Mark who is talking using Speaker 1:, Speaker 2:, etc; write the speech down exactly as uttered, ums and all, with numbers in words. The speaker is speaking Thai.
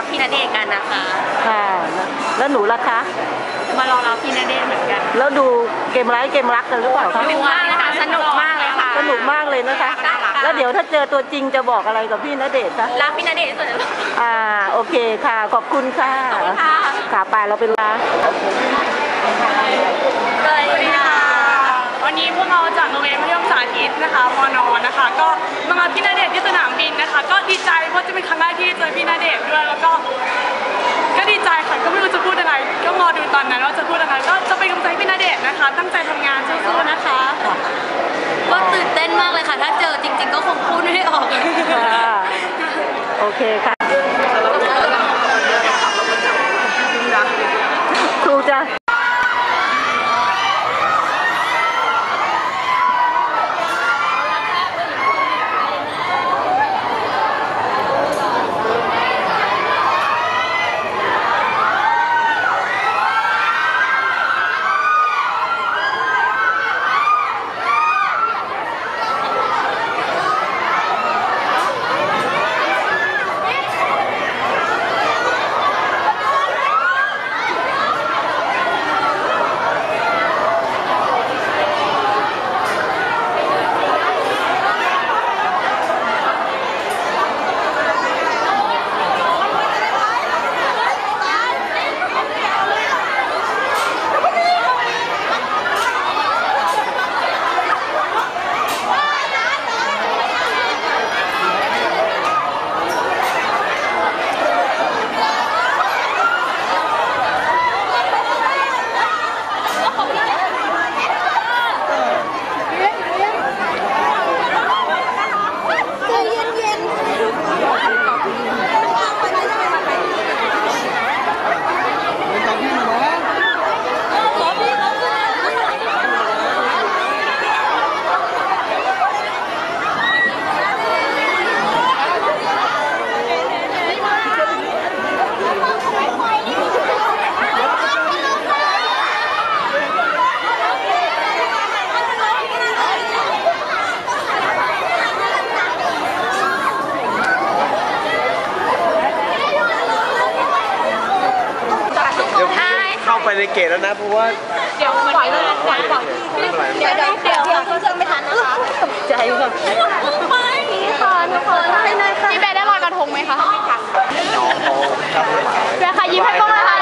Speaker 1: พี่ณเดชน์กันนะคะ
Speaker 2: ค่ะแล้วหนูล่ะคะ
Speaker 1: มารอรับพี่ณเดชน์เหมือนกัน
Speaker 2: แล้วดูเกมไร้เกมรักกันหรือเปล่าคะ
Speaker 1: ดูมากเลยค่ะสนุกมากเลยค่ะ
Speaker 2: สนุกมากเลยนะคะแล้วเดี๋ยวถ้าเจอตัวจริงจะบอกอะไรกับพี่ณเดชน์คะ
Speaker 1: รักพี่ณเดชน์สุดเลย
Speaker 2: อ่าโอเคค่ะขอบคุณค่ะค่ะไปเราเป็นลา
Speaker 1: สวัสดีค่ะ
Speaker 3: วันนี้พวกเราจากโรงเรียนมัธยมสาธิตนะคะมน.นะคะก็มารับพี่ณเดชน์ที่สนามบินนะคะก็ดีใจเพราะจะเป็นครั้งแรกที่เจอพี่ณเดชน์ด้วยแล้วก็ก็ดีใจค่ะก็ไม่รู้จะพูดอะไรก็รอดูตอนนั้นว่าจะพูดอะไรก็จะเป็นกำลังใจพี่ณเดชน์นะคะตั้งใจทำงานสู้ๆนะคะ
Speaker 1: ก็ตื่นเต้นมากเลยค่ะถ้าเจอจริงๆก็คงพูดไม่ออก
Speaker 2: โอเคค่ะครูจะ
Speaker 4: ไปในเกตแล้วนะเพราะว่า
Speaker 1: เดี๋ยวปล่อยเลยปล่อยปล่อยเดี๋ยวเดี๋ยวเดี๋ยวเดี๋ยวเขาจะไม่ทันนะคะ
Speaker 2: ตกใจค่ะ
Speaker 1: ไม่ค่ะทุกคนพี่เบย์ได้ลอยกระทงไหมคะ
Speaker 4: น้องเขาทำ
Speaker 1: เบย์ค่ะยิ้มให้กล้องเลยค่ะ